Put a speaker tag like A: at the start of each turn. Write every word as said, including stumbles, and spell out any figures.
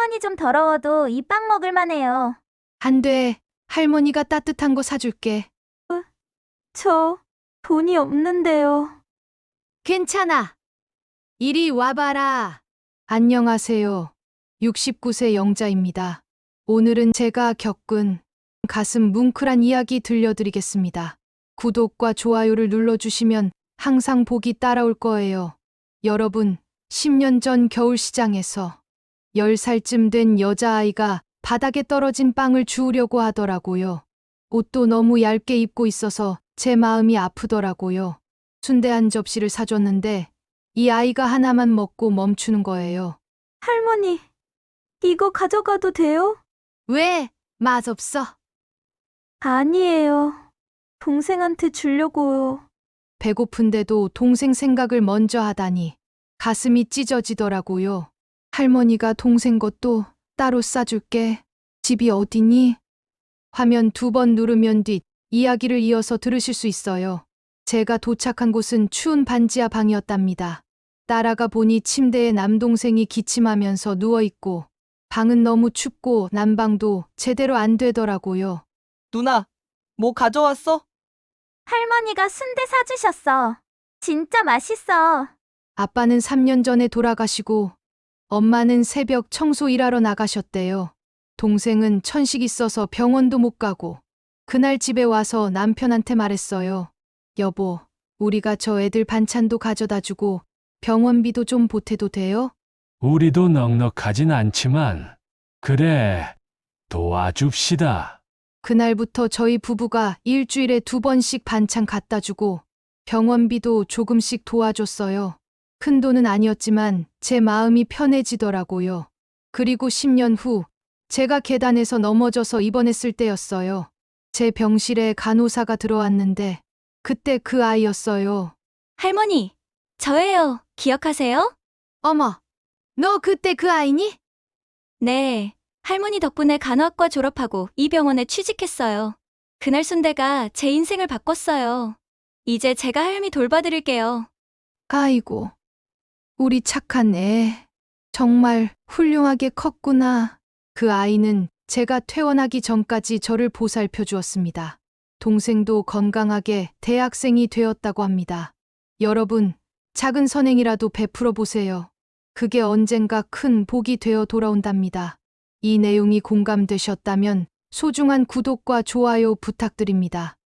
A: 손이 좀 더러워도 이 빵 먹을 만해요.
B: 안 돼. 할머니가 따뜻한 거 사줄게.
A: 저 돈이 없는데요.
B: 괜찮아. 이리 와봐라. 안녕하세요. 육십구 세 영자입니다. 오늘은 제가 겪은 가슴 뭉클한 이야기 들려드리겠습니다. 구독과 좋아요를 눌러주시면 항상 복이 따라올 거예요. 여러분, 십 년 전 겨울시장에서 열 살쯤 된 여자아이가 바닥에 떨어진 빵을 주우려고 하더라고요. 옷도 너무 얇게 입고 있어서 제 마음이 아프더라고요. 순대 한 접시를 사줬는데 이 아이가 하나만 먹고 멈추는 거예요.
A: 할머니, 이거 가져가도 돼요?
B: 왜? 맛없어?
A: 아니에요. 동생한테 주려고요.
B: 배고픈데도 동생 생각을 먼저 하다니 가슴이 찢어지더라고요. 할머니가 동생 것도 따로 싸줄게. 집이 어디니? 화면 두 번 누르면 뒤 이야기를 이어서 들으실 수 있어요. 제가 도착한 곳은 추운 반지하 방이었답니다. 따라가 보니 침대에 남동생이 기침하면서 누워있고 방은 너무 춥고 난방도 제대로 안 되더라고요.
C: 누나, 뭐 가져왔어?
A: 할머니가 순대 사주셨어. 진짜 맛있어.
B: 아빠는 삼 년 전에 돌아가시고 엄마는 새벽 청소 일하러 나가셨대요. 동생은 천식 있어서 병원도 못 가고 그날 집에 와서 남편한테 말했어요. 여보, 우리가 저 애들 반찬도 가져다 주고 병원비도 좀 보태도 돼요?
D: 우리도 넉넉하진 않지만, 그래, 도와줍시다.
B: 그날부터 저희 부부가 일주일에 두 번씩 반찬 갖다 주고 병원비도 조금씩 도와줬어요. 큰 돈은 아니었지만 제 마음이 편해지더라고요. 그리고 십 년 후 제가 계단에서 넘어져서 입원했을 때였어요. 제 병실에 간호사가 들어왔는데 그때 그 아이였어요.
A: 할머니, 저예요. 기억하세요?
B: 어머, 너 그때 그 아이니?
A: 네. 할머니 덕분에 간호학과 졸업하고 이 병원에 취직했어요. 그날 순대가 제 인생을 바꿨어요. 이제 제가 할미 돌봐드릴게요.
B: 아이고, 우리 착한 애. 정말 훌륭하게 컸구나. 그 아이는 제가 퇴원하기 전까지 저를 보살펴 주었습니다. 동생도 건강하게 대학생이 되었다고 합니다. 여러분, 작은 선행이라도 베풀어 보세요. 그게 언젠가 큰 복이 되어 돌아온답니다. 이 내용이 공감되셨다면 소중한 구독과 좋아요 부탁드립니다.